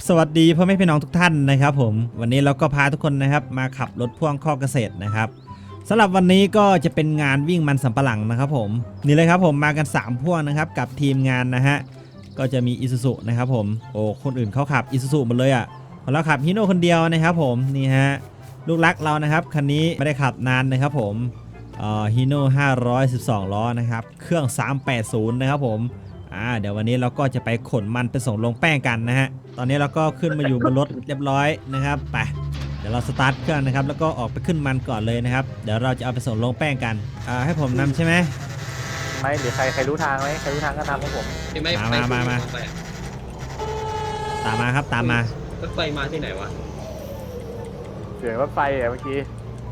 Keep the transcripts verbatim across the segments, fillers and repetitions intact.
สวัสดีพ่อแม่พี่น้องทุกท่านนะครับผมวันนี้เราก็พาทุกคนนะครับมาขับรถพ่วงข้อเกษตรนะครับสำหรับวันนี้ก็จะเป็นงานวิ่งมันสำปะหลังนะครับผมนี่เลยครับผมมากันสามพ่วงนะครับกับทีมงานนะฮะก็จะมีอิซูซุนะครับผมโอ้คนอื่นเขาขับอิซูซุหมดเลยอ่ะเราขับฮิโน่คนเดียวนะครับผมนี่ฮะลูกรักเรานะครับคันนี้ไม่ได้ขับนานนะครับผมเอ่อฮิโน่ห้าร้อยสิบสองล้อนะครับเครื่องสามแปดศูนย์นะครับผมอ่าเดี๋ยววันนี้เราก็จะไปขนมันไปส่งลงแป้งกันนะฮะตอนนี้เราก็ขึ้นมาอยู่บนรถเรียบร้อยนะครับไปเดี๋ยวเราสตาร์ทเครื่องนะครับแล้วก็ออกไปขึ้นมันก่อนเลยนะครับเดี๋ยวเราจะเอาไปส่งลงแป้งกันอ่าให้ผมนำใช่ไหมไม่หรือใครใครรู้ทางไหมใครรู้ทางก็ทำของผมมามามามาตามมาครับตามมารถไฟมาที่ไหนวะเสียงรถไฟอะเมื่อกี้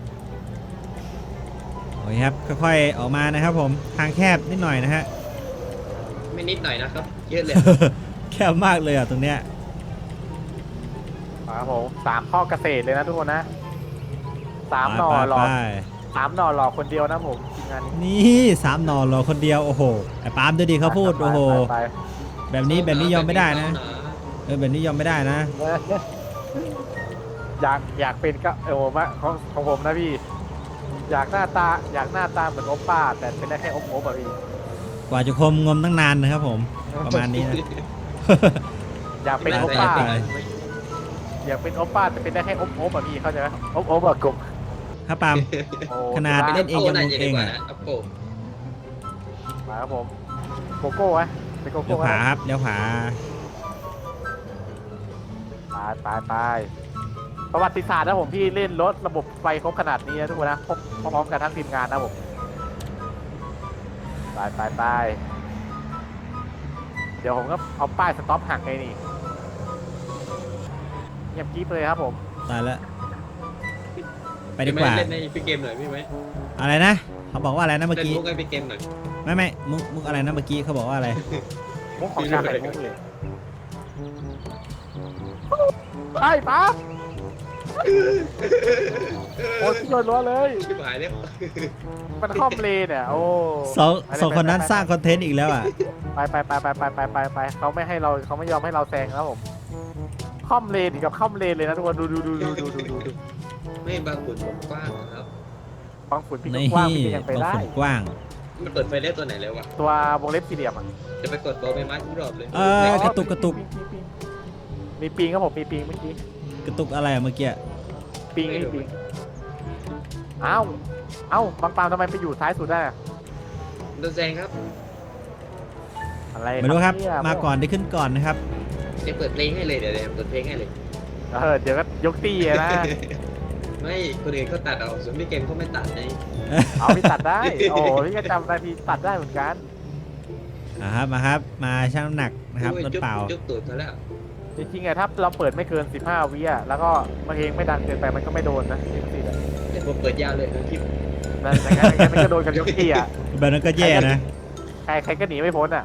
โอเคครับค่อยๆออกมานะครับผมทางแคบนิดหน่อยนะฮะไม่นิดหน่อยนะครับเยอะเลยแคบมากเลยอ่ะตรงเนี้ยมาครับผมสามข้อเกษตรเลยนะทุกคนนะสามหน่อไปหลอกไปสามหน่อหลอกคนเดียวนะผมทีมงานนี้นี่สามหนอนรอคนเดียวโอ้โหไอ้ปาล์มดูดิเขาพูดไปโอ้โหไปไปแบบนี้แบบนี้ยอมไม่ได้นะเออแบบนี้ยอมไม่ได้นะเอออยากอยากเป็นก็เออผมอะของของผมนะพี่ อยากหน้าตาอยากหน้าตาเหมือนโอป้า แต่เป็นได้แค่โอโอป่ะพี่กว่าจะคมงมตั้งนานนะครับผมประมาณนี้นะอยากเป็นโอไปป้าไปอยากเป็นโอป้าแต่เป็นได้แค่โอโอป่ะพี่เข้าใจไหมโอโอป่ะกบครับปาล์มโอ้ขนาดสุเล่นเองยังงงเองอะอัปโปมาครับผมโกโก้ไหมเป็นโกเลี้โก้ยวไหขวาม ครับเลี้ยวขวาไปไปไปประวัติศาสตร์นะผมพี่เล่นรถระบบไฟครบขนาดนี้นะทุกคนนะครบพร้อมๆกันทั้งทีมงานนะผมไปไปไปเดี๋ยวผมก็เอาป้ายสต็อปหักไงนี่เงียบกิ๊บเลยครับผมตายแล้วไปดีกว่าเล่นในพี่เกมหน่อยพี่ไหมอะไรนะเขาบอกว่าอะไรนะเมื่อเล่นกี้มุกให้พี่เกมหน่อยไม่ไม่มุกมุกอะไรนะเมื่อกี้เขาบอกว่าอะไรมุกของชาไข่มุกเลยไปปั๊บโอ้ยโดนล้อเลยชิบหายแล้วมันคล่อมเลนเนี่ยโอ้สองสองคนนั้นสร้างคอนเทนต์อีกแล้วอ่ะไปไปไปไปไปไปไปไปเขาไม่ให้เราเขาไม่ยอมให้เราแซงครับผมคล่อมเลนอีกกับคล่อมเลนเลยนะทุกคนดูดูดูดูดูดูดูดูไม่บางฝุ่นผมกว้างนะครับบางฝุ่นพี่ก็นี่กว้างพี่ก็ยังไปบางได้คนกว้างมันเปิดไฟเล่ตัวไหนแล้ววะตัววงเล็บสี่เหลี่ยมอ่ะจะไปกดตัวใบไม้ทุกรอบเลยเออกระตุกกระตุกมีปิงครับผมมีปิงเมื่อกี้กระตุกอะไรอะเมื่อกี้ปิงมีปิงเอ้าเอ้าบางปามทำไมไปอยู่ท้ายสุดได้อะโดนแซงครับอะไรไม่รู้ครับเนี่ยมาก่อนได้ขึ้นก่อนนะครับจะเปิดเพลงให้เลยเดี๋ยวเดี๋ยวเปิดเพลงให้เลยเออเดี๋ยวก็ยกตี้อะนะไม่คนอื่นเขาตัดเอาส่วนพี่เกมเขาไม่ตัดไงเอาพี่ตัดได้โอ้พี่ก็จำนาทีตัดได้เหมือนกันอ่าครับมาครับมาชั่งน้ำหนักนะครับรถเปล่าจุกตูดเขาแล้วจริงๆอะถ้าเราเปิดไม่เกินสิบห้าวิอะแล้วก็เพลงไม่ดังเกินไปมันก็ไม่โดนนะจริงๆอะเดี๋ยวผมเปิดยาวเลยนะคลิปนั่นอย่างนั้นอย่างนั้นมันก็โดนกันยกตี้อะแบบนั้นก็แย่นะใครใครก็หนีไม่พ้นอะ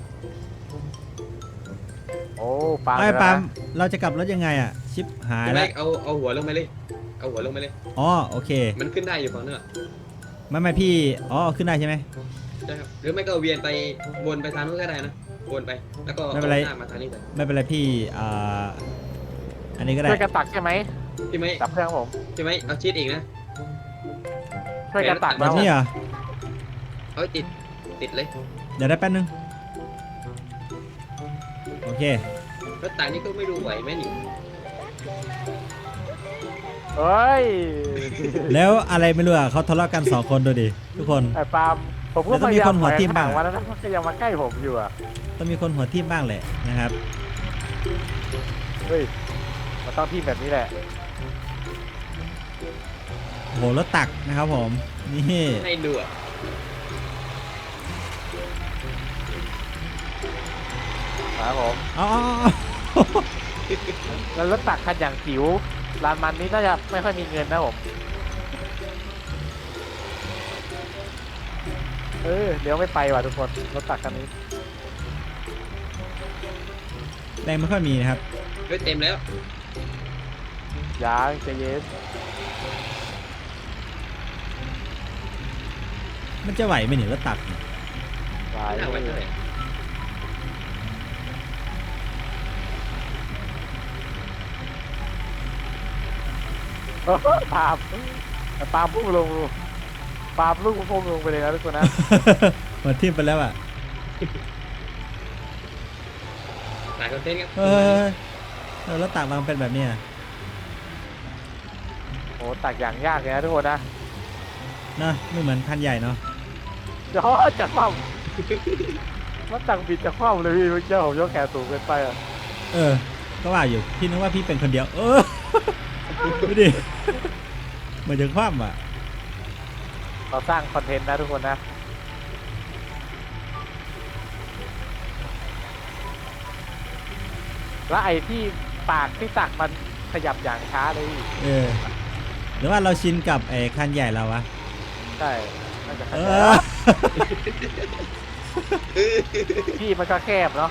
โอ้ปาล์มไอ้เดี๋ยวนะปาล์มเราจะกลับรถยังไงอ่ะชิปหายใช่ไหมแล้วเอาเอาหัวลงไปเลยเอาหัวลงไปเลยอ๋อโอเคมันขึ้นได้อยู่ฝั่งเนื้อไม่ไม่พี่อ๋อขึ้นได้ใช่ไหมใช่ครับหรือไม่ก็เวียนไปวนไปทางนู้นก็ได้นะวนไปแล้วก็เอาหน้ามาทางนี้เลยไม่เป็นไรพี่อ่าอันนี้ก็ได้ช่วยกันตักใช่ไหมพี่ไหมตักเครื่องผมพี่ไหมเอาชีสอีกนะช่วยกันตักแบนะบนี้เหรอเอาติดติดเลยเดี๋ยวได้แป๊บนึงโอเครถต่างนี่ก็ไม่รู้ไหวไหมนี่เฮ้ยแล้วอะไรไม่รู้อ่ะเขาทะเลาะกันสองคนดูดิทุกคนไอ้ปาล์มผมก็แล้วต้พองมียายาคมนหัวทิ่มบ้างถอยห่วันนั้นมันก็ยังมาใกล้ผมอยู่อะต้องมีคนหัวทิ่มบ้างแหละนะครับเฮ้ยมันต้องทีมแบบนี้แหละโอ้โหรถตักนะครับผมนี่ให้ดูอ่ะครับผมอ๋อแล้วรถตักคันอย่างจิ๋วลานมันนี้น่าจะไม่ค่อยมีเงินนะผมเออเดี๋ยวไม่ไปว่ะทุกคนรถตักคันนี้แรงไม่ค่อยมีนะครับเฮ้ยเต็มแล้วยางใจเย็นมันจะไหวไหมเนี่ยรถตักเนี่ยไหวหน้าไว้เท่าไหร่ปาล์มปาล์มพุ่งลงปาล์มลูกพุ่งลงไปเลยนะทุกคนนะมาทิ่มไปแล้วอ่ะหลายคอนเทนต์ครับเออเออแล้วตากมันเป็นแบบเนี้ยโอ้ตักอย่างยากเลยนะทุกคนนะนะไม่เหมือนคันใหญ่เนาะเดี๋ยวจะคว่ำมันตักบิดจะคว่ำเลยพี่เมื่อกี้ผมยกแขนสูงเกินไปอ่ะเออก็ว่าอยู่พี่นึกว่าพี่เป็นคนเดียว เออดูดิเหมือนจะคว่ำอ่ะเราสร้างคอนเทนต์นะทุกคนนะแล้วไอ้ที่ปากที่ตักมันขยับอย่างช้าเลยพี่เออหรือว่าเราชินกับไอ้คันใหญ่เราวะใช่น่าจะขเอยัอบพี่มันก็แคบเนาะ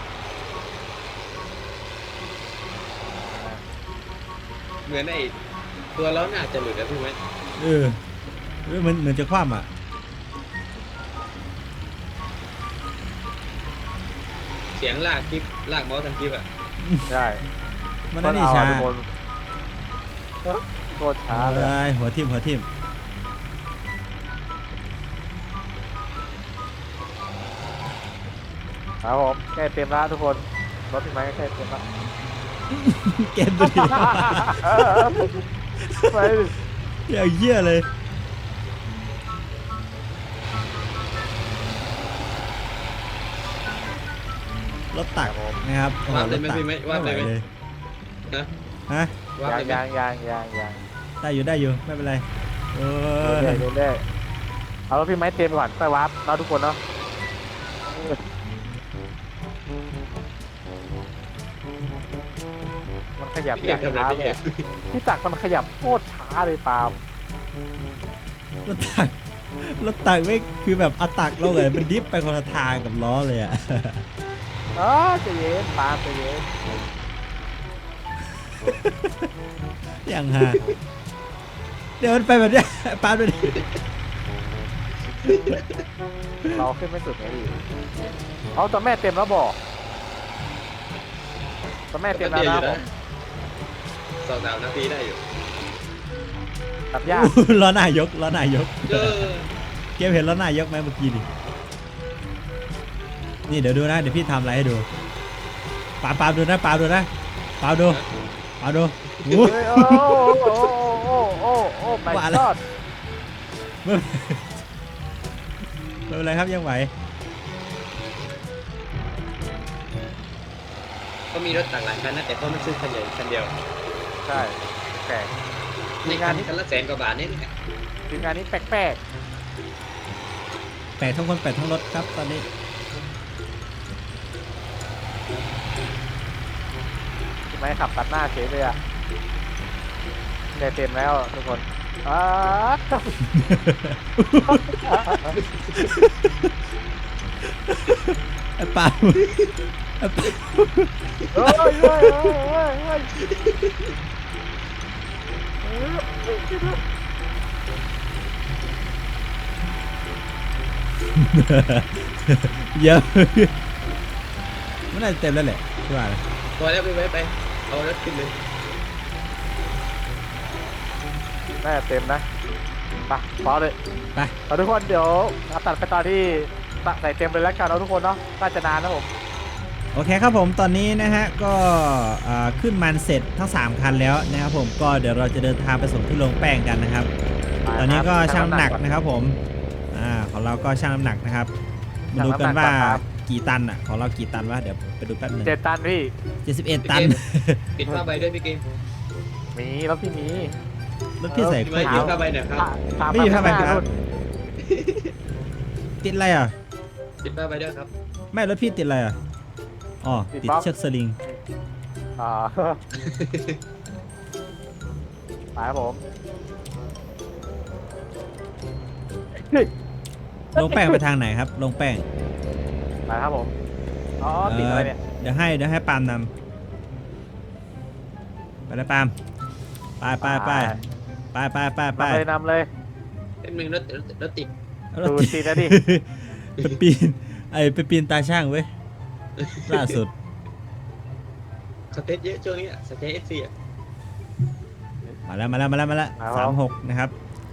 เหมือนไอ้ตัวล้อหน้าจะหลุดแล้วพี่ไหมเออเออเหมือนเหมือนจะคว่ำอ่ะเสียงลากคลิปลากเมาส์ทางคลิปอ่ะใช่มันนั่นนี่ช้าทุกคนเอ้อโคตรช้าเลยเอ้ยหัวทิ่มหัวทิ่มครับผมใกล้เต็มแล้วทุกคนรถพี่ไม้ก็ใกล้เต็มแล้วเกมตัวเดียวไปดิอย่างเยี่ยเลยรถตักนะครับโอ้โหวาดรเลยถไหมตักพี่ไหมวาดเลยไหมเลยนะฮะวาดยางเลยไหมยางยางยางยางยางได้อยู่ได้อยู่ไม่เป็นไรเออเรื่อยๆเรื่อยๆเอารถพี่ไม้เต็มก่อนไปวาร์ปเราทุกคนเนาะมันขยับพี่อยากทำอะไรช้าพี่เลอย ยากที่ตักมันขยับโคตรช้าเลยปาล์มรถตักรถตักไม่คือแบบเอาตักลงเลยมันดิฟไปคนละทางกับล้อเลยอ่ะอ๋อใจะเย็นปาล์มใจะเย็นอย่างฮะเดี๋ยวมันไปแบบเนี้ยปาดไปดิเราขึ้นไม่สุดไงพี่เอาตัวแม่เต็มแล้วบอกตัวแม่เต็มแล้วเดียวนะอยู่ผนะมสองสามนาทีได้อยู่ตับยากล้อหน้ายกล้อหน้ายกเออเกมเห็นล้อหน้ายกไหมเมื่อกี้ดินี่เดี๋ยวดูนะเดี๋ยวพี่ทำอะไรให้ดูปาปาดูนะปาดูนะปาดูปาดูโอ้เฮ้ยโอ้โอ้โอ้โอ้โอ้โอ้ไม่ว่าอะไรรอดไม่ไม่เป็นไรครับยังไหวก็มีรถต่างหลายคันนะแต่เขาไม่ซื้อคันใหญ่คันเดียวใช่แปลกในคันคันละแสนกว่าบาทนี่แหละทีมงานนี้แปลกแปดทั้งคนแปดทั้งรถครับตอนนี้ๆทำไมขับตัดหน้าเฉยเลยอ่ะได้เต็มแล้วทุกคนอ้าไอ้ปาไอ้ปาเฮ้ยเฮ้ยเฮ้ยเฮ้ยเฮ้ยเฮ้ยเยอะมันน่าจะเต็มแล้วแหละใช่ป่ะพอแล้วพี่ไว้ไปเอารถขึ้นเลยน่าจะเต็มนะไปพอเลยไปเอาทุกคนเดี๋ยวเราตัดไปตอนที่ใส่เต็มเลยแล้วกันเราทุกคนเนาะน่าจะนานนะผมโอเคครับผมตอนนี้นะฮะก็อ่าขึ้นมันเสร็จทั้งสามคันแล้วนะครับผมก็เดี๋ยวเราจะเดินทางไปส่งที่โรงแป้งกันนะครับ ตอนนี้ก็ชั่งน้ำหนักนะครับผมอ่าของเราก็ชั่งน้ำหนักนะครับมาดูกันว่ากี่ตันอ่ะของเรากี่ตันวะเดี๋ยวไปดูแป๊บหนึงเจ็ดตันพี่เจ็ดสิบเอ็ดตันปิดผ้าใบด้วยพี่เกมมีแล้วพี่มีรถพี่ใส่พี่โคไว้ตรปิเยดอะผ้าใบหน่อยครับตามไม่มีผ้าใบข้งหน้ครับนู่นติดอะไรอ่ะปิดผ้าใบด้วยครับไม่รถพี่ติดอะไรอ่ะอ๋อติดเชือกสลิงอ่า ไปครับผมลงแป้งไปทางไหนครับลงแป้งไปครับผมอ๋อติดอะไรเนี่ยเดี๋ยวให้เดี๋ยวให้ปาล์มนำไปเลยปาล์มไปไปไปไปไปไปไปนำเลยนำเลยเป็นหนึ่งรถรถรถติดเอาดูรถสินะดิไปปีนไอไปปีนตาช่างเว้ยล่าสุดสเตจเยอะช่วงนี้อะสเตจเอสซีอะจมาแล้วมาแล้วมาแล้วมาแล้วครับสามหกนะครับ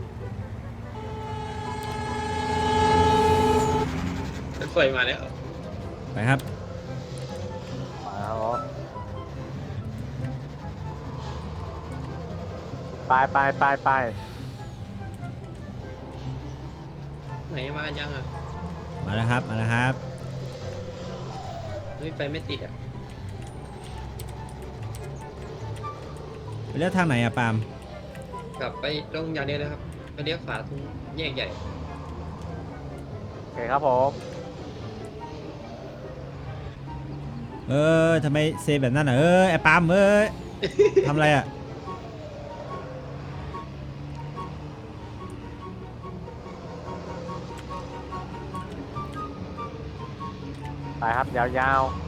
รถไฟมาแล้วไปครับมาครับผมไปไปไปไปไหนมายังอ่ะมาแล้วครับมาแล้วครับเฮ้ยไปไม่ติดอ่ะไปเลือกทางไหนอะปาล์มกลับไปตรงอย่างเดียวเลยครับไปเลี้ยวขวาตรงแยกใหญ่โอเคครับผมเออทำไมเซแบบนั้นอะเออไอ้ปาล์มเอ้ย ทำอะไรอะไปครับยาวๆ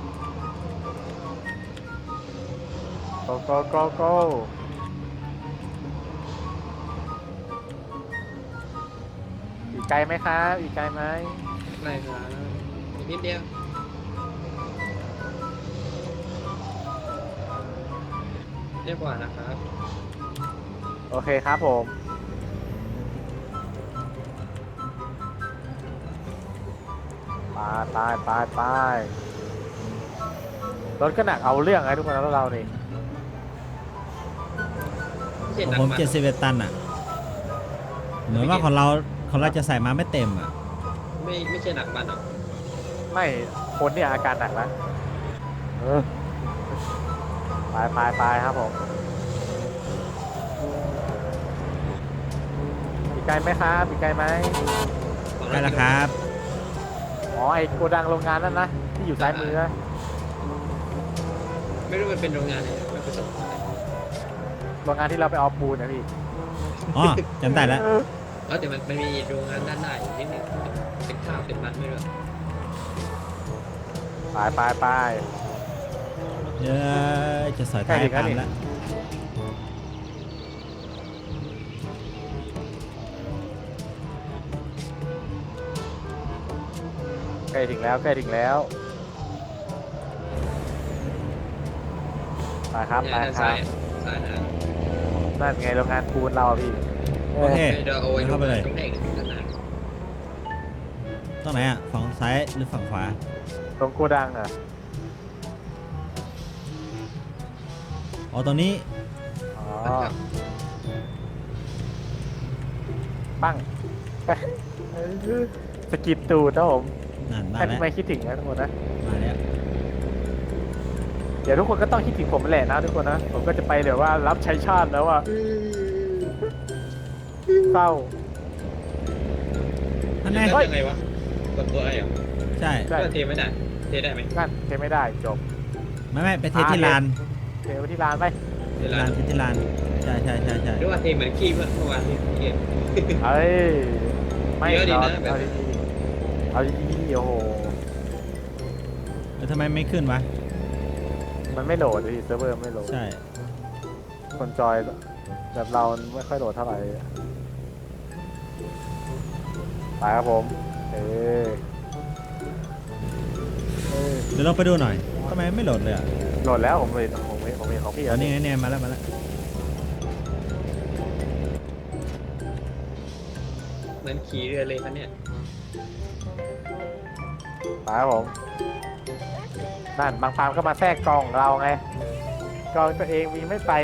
go go go go อีกไกลไหมครับอีกไกลไหมไล่มาอีกนิดเดียวเรียกว่านะครับโอเคครับผม ไปไปไปไปรถก็หนักเอาเรื่องไงทุกคนแล้วเรานี่ไม่ใช่ของหนักผมมาเจ็ดสิบเอ็ดตันอะเหมือนว่าของเราของเราจะใส่มาไม่เต็มอะไม่ไม่ใช่หนักมันหรอกไม่คนเนี่ยอาการหนักแล้วเออไปไปไปครับผมอีกไกลไหมครับอีกไกลไหมได้แล้วครับอ๋อไอโกดังโรงงานนั่นนะที่อยู่ซ้ายมือนะไม่รู้มันเป็นโรงงานไหนไม่ประสบโรงงานที่เราไปเอาปูนนะพี่อ๋อจำได้แล้วแล้วแต่มันมันมีโรงงานด้านหน้าอยู่นิดนึงเป็นข้าวเป็นมันไม่รู้ไปไปไปเดี๋ยวจะสอยท้ายใกล้ถึงปาล์มแล้วนี่แล้วใกล้ถึงแล้วใกล้ถึงแล้วไปครับไปด้านครัซ้าบยซ้ายนะนั่นไงโรงงานปูนเราอะพี่โอเคเดี๋ยวเอาไว้เข้าไปเลยตรงแรกด้านหน้าตรงไหนอะฝั่งซ้ายหรือฝั่งขวาตรงโกดังอ่ะอ๋อตรงนี้อ๋อครับปั้งสกิดตูดนะผมนั่นมาให้แล้วไม่คิดถึงนะทุกคนนะมาแล้วเดี๋ยวทุกคนก็ต้องคิดถึงผมแหละนะทุกคนนะผมก็จะไปเดี๋ยวว่ารับใช้ชาติแล้วอ่ะเศร้าอันไหนแล้วยังไงวะกดตัวไอ้เหรอใช่ใช่ก็เทไม่ได้เทได้ไหมนั่นเทไม่ได้จบไม่ไม่ไปเทที่ลานเทไปที่ร้านไปเวลาลานเทที่ลานใช่ใช่ใช่ใช่หรือว่าเทเหมือนขี้เมื่อเมื่อวานที่เกมเอ้ยไม่เยอะดีเรานะแบบเอาดีๆเอาดีๆโอ้โหแล้วทำไมไม่ขึ้นวะมันไม่โหลดเลยเซิร์ฟเวอร์ไม่โหลดใช่คนจอยแบบเราไม่ค่อยโหลดเท่าไหร่ไปครับผมเออเออเดี๋ยวลองไปดูหน่อยทำไมไม่โหลดเลยอะโหลดแล้วผมเห็นผมเห็นผมเห็นของพี่ตแล้อนวนี้ไงเนี่ยมาแล้วมาแล้วเหมือนขี่เรือเลยครับเนี่ยไปครับผมนั่นบางฟาร์มก็มาแทรกกองเราไงกองตัวเองมีไม่ไป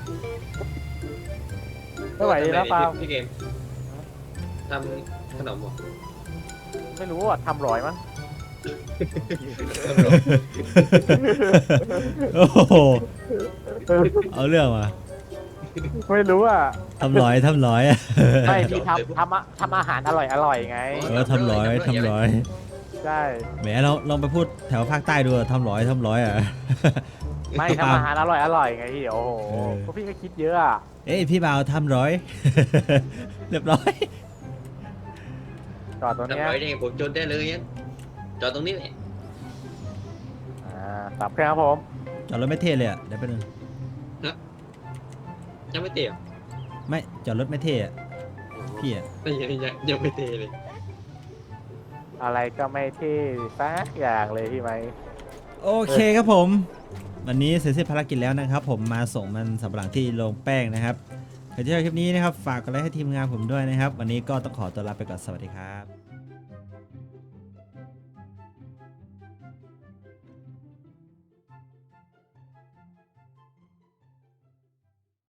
ไม่ไหวดีนะฟาร์มพี่เกมทำขนมเหรอไม่รู้ว่าทำร้อยมั้งทำขนมโอ้โหเอาเรื่องมาไม่รู้อ่ะทำร้อยทำร้อยอะไม่ที่ทำทำอะทำอาหารอร่อยอร่อยไงเออทำร้อยทำร้อยใช่แหมเราลองไปพูดแถวภาคใต้ดูอะทำร้อยทำร้อยอ่ะไม่ทำอาหารอร่อยอร่อยไงพี่โอ้โหเออพวกพี่ก็คิดเยอะอ่ะเอ้ยพี่บ่าวทำร้อย เรียบร้อยจอดตรงทำเนี้ยร้อยได้ไงผมจนได้เลยงั้นจอดตรงนี้แหละอ่าสับเครื่องครับผมจอดรถไม่เท่เลยอ่ะเดี๋ยวไปบนึงยังไม่เตะเหรอไม่จอดรถไม่เท่อะพี่อ่ะไม่ยังยังยังไม่เตะเลยอะไรก็ไม่เท่สักอย่างเลยพี่ไหมโอเคครับผม วันนี้เสร็จสิ้นภารกิจแล้วนะครับ ผมมาส่งมันสำปะหลังที่โรงแป้งนะครับใครที่ชอบคลิปนี้นะครับฝากกดไลค์ให้ทีมงานผมด้วยนะครับวันนี้ก็ต้องขอตัวลาไปก่อนสวัสดีครับ